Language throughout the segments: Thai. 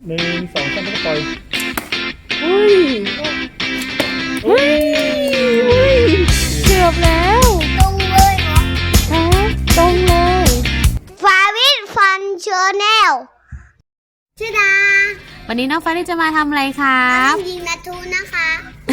1 2 3แล้วก็ปล่อยอุ้ยเฮ้ยเกือบแล้วตรงเลยเหรอตรงเลยฟาวิทฟันเชอร์แนลชื่อดาวันนี้น้องฟ้าจะมาทำอะไรครับยิงนาทูนะคะ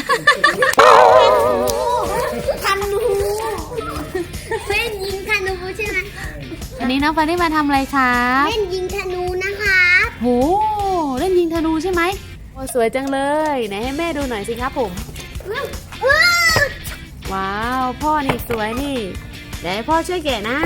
ธนูเล่นยิงธนูใช่ไหมวันนี้น้องฟ้ามาทำอะไรครับเล่นยิงธนูนะคะโหเล่นยิงธนูใช่ไหมโอ้สวยจังเลยไหนให้แม่ดูหน่อยสิครับผมว้าวพ่อนี่สวยนี่เดี๋ยวให้พ่อช่วยแกะนะ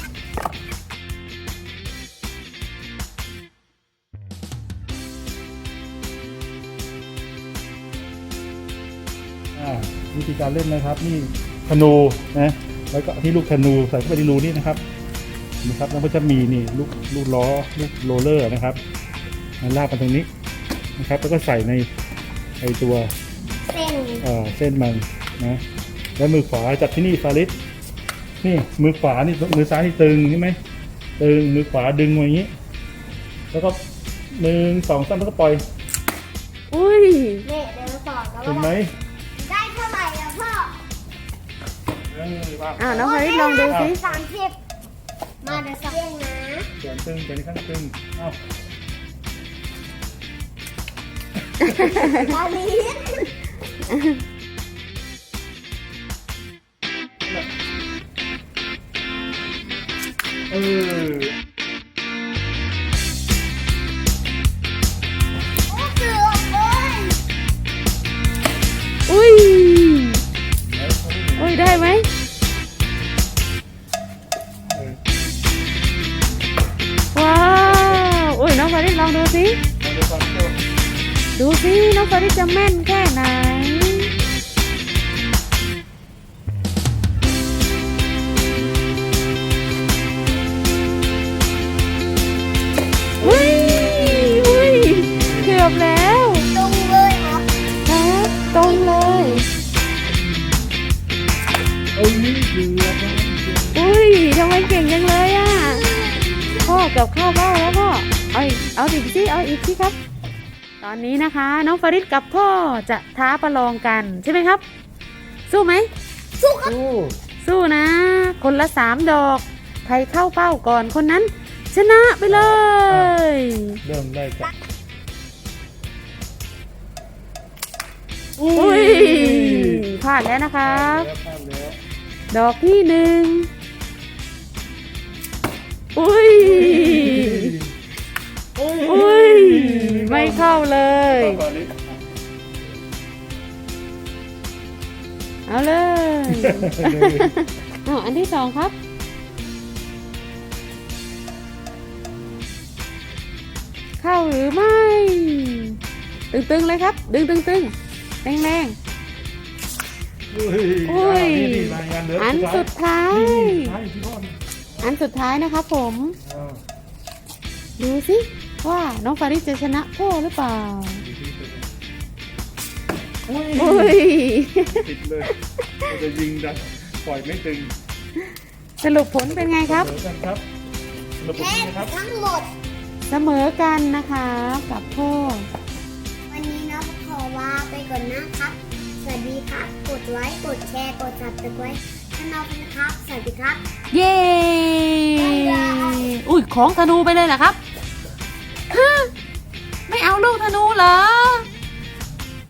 วิธีการเล่นนะครับนี่ธนูนะแล้วก็ที่ลูกธนูใส่เข้าไปในรูนี่นะครับแล้วก็จะมีนี่ลูกล้อลูกโรลเลอร์นะครับลากมาตรงนี้นะครับแล้วก็ใส่ในตัวเส้นมันนะแล้วมือขวาจับที่นี่ฟาริสนี่มือขวานี่มือซ้ายนี่ตึงใช่ไหมตึงมือขวาดึงมาอย่างนี้แล้วก็1 2 3แล้วก็ปล่อยอุ้ยเดี๋ยวสอนแล้วเห็นไหมได้เท่าไหร่แล้วพ่อน้องฟาริสลองดูสิ 30มาเดี๋ยวสักเรื่องนะแขนตึงแขนข้างตึงฟาริสเกือบเลยอุ้ยได้ไหมว้าวอุ้ยน้องฟาริสลองดูสิน้องฟาริสจะแม่นแค่ไหนเกือบแล้วตรงเลยเหรอครับตรงเลยอุ้ยทำไมเก่งจังเลยอ่ะพ่อกับข้าวเบ้าแล้วพ่อเอาอีกสิครับตอนนี้นะคะน้องฟาริสกับพ่อจะท้าประลองกันใช่ไหมครับสู้ไหมสู้ครับสู้นะคนละ3 ดอกใครเข้าเป้าก่อนคนนั้นชนะไปเลยเริ่มได้กับอุ้ยพลาดแล้วนะครับดอกที่1อุ้ยไม่เข้าเลยเอาเลยอันที่2ครับเข้าหรือไม่ตึงๆเลยครับดึงตึงแรงอุ้ยอันสุดท้ายนะครับผมดูสิว่าน้องฟาริสจะชนะพ่อหรือเปล่าติดเลยจะยิงดันปล่อยไม่ตึงสรุปผลเป็นไงครับแพ้ทั้งหมดเสมอกันนะคะกับพ่อวันนี้น้องขอลาไปก่อนนะครับสวัสดีครับกดไลค์กดแชร์กดซับสไครบ์ช่องกันนะครับสวัสดีครับเย้อุ้ยของธนูไปเลยเหรอครับ